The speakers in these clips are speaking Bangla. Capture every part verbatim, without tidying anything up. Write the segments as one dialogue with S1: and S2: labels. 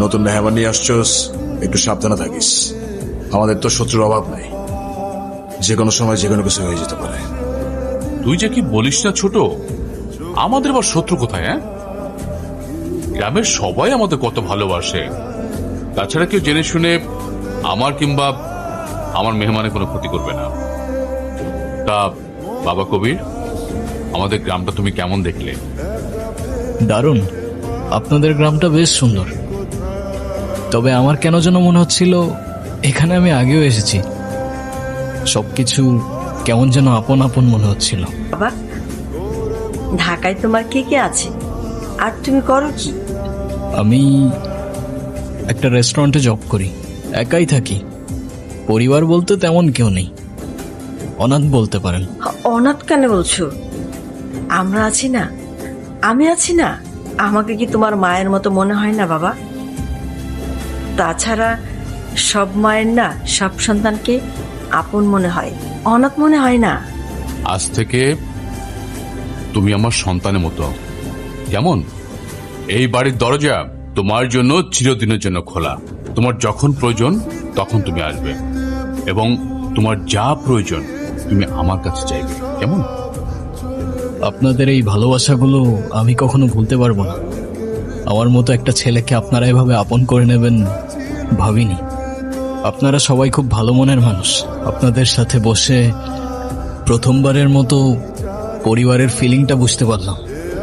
S1: নতুন মেহমান নিয়ে আসছস, একটু সাবধানে থাকিস। আমাদের তো শত্রুর অভাব নাই, যে কোনো সময় যে কোনো কিছু হয়ে যেতে পারে।
S2: তুই যে কি বলিস না ছোট, আমাদের আবার শত্রু কোথায়? হ্যাঁ, গ্রামের সবাই আমাদের কত ভালোবাসে। তাছাড়া কেউ জেনে শুনে আমার কিংবা আমার মেহমানের কোনো ক্ষতি করবে না। তা বাবা কবির, আমাদের গ্রামটা তুমি কেমন দেখলে?
S3: দারুণ, আপনাদের গ্রামটা বেশ সুন্দর। তবে আমার কেন যেন মনে হচ্ছিল এখানে আমি আগেও এসেছি। সবকিছু কেমন যেন আপন আপন মনে হচ্ছিল।
S4: বাবা, ঢাকায় তোমার কে কে আছে আর তুমি করো কি?
S3: আমি একটা রেস্টুরেন্টে জব করি, একাই থাকি। পরিবার বলতে তেমন কেউ নেই, অনাথ বলতে পারেন।
S4: অনাথ কেন বলছো? আমরা আছি না, আমি আছি না। আমাকে কি তোমার মায়ের মতো মনে হয় না বাবা? তাছাড়া সব মায়ের না সব সন্তানকে আপন মনে হয়, অনাথ মনে হয় না।
S2: আজ থেকে তুমি আমার সন্তানের মতো। কেমন? এই বাড়ির দরজা তোমার জন্য চিরদিনের জন্য খোলা। তোমার যখন প্রয়োজন তখন তুমি আসবে, এবং তোমার যা প্রয়োজন তুমি আমার কাছে চাইবে। কেমন?
S3: আপনাদের এই ভালোবাসাগুলো আমি কখনো ভুলতে পারবো না। আমার মতো একটা ছেলেকে আপনারা এভাবে আপন করে নেবেন ভাবিনি। আপনারা সবাই খুব ভালো মনের মানুষ। আপনাদের সাথে বসে প্রথমবারের মতো পরিবারের ফিলিংটা বুঝতে পারলাম।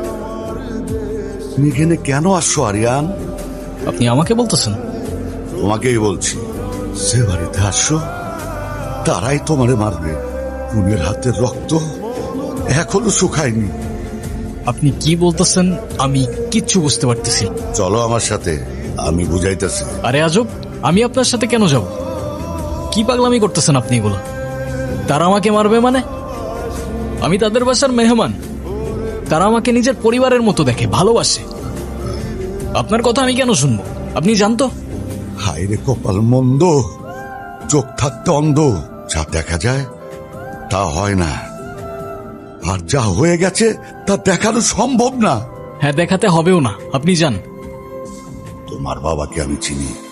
S5: তুমি এখানে কেন আসছো আরিয়ান?
S3: আপনি আমাকে বলতেছেন?
S5: তোমাকেই বলছি। যে বাড়িতে আসছো তারাই তোমারে মারবে। খুনের হাতের রক্ত এখনো শুকায়নি।
S3: আপনি কি বলতেছেন আমি কিচ্ছু বুঝতে পারতেছি।
S5: চলো আমার সাথে, আমি বুঝাইতেছি।
S3: আরে আজব, আমি আপনার সাথে কেন যাব? কি পাগলামি করতেছেন আপনি এগুলো? তারা আমাকে মারবে মানে? আমি তাদের বাসার মেহমান। তারা আমাকে নিজের পরিবারের মতো দেখে, ভালোবাসে। আপনার কথা আমি কেন শুনবো? আপনি জানতো?
S5: হায় রে কপাল মন্দ, চোখ থাকতে অন্ধ। যা দেখা যায় তা হয় না, আর যা হয়ে গেছে তা দেখানো সম্ভব না।
S3: হ্যাঁ, দেখাতে হবেও না। আপনি যান।
S5: তোমার বাবাকে আমি চিনি।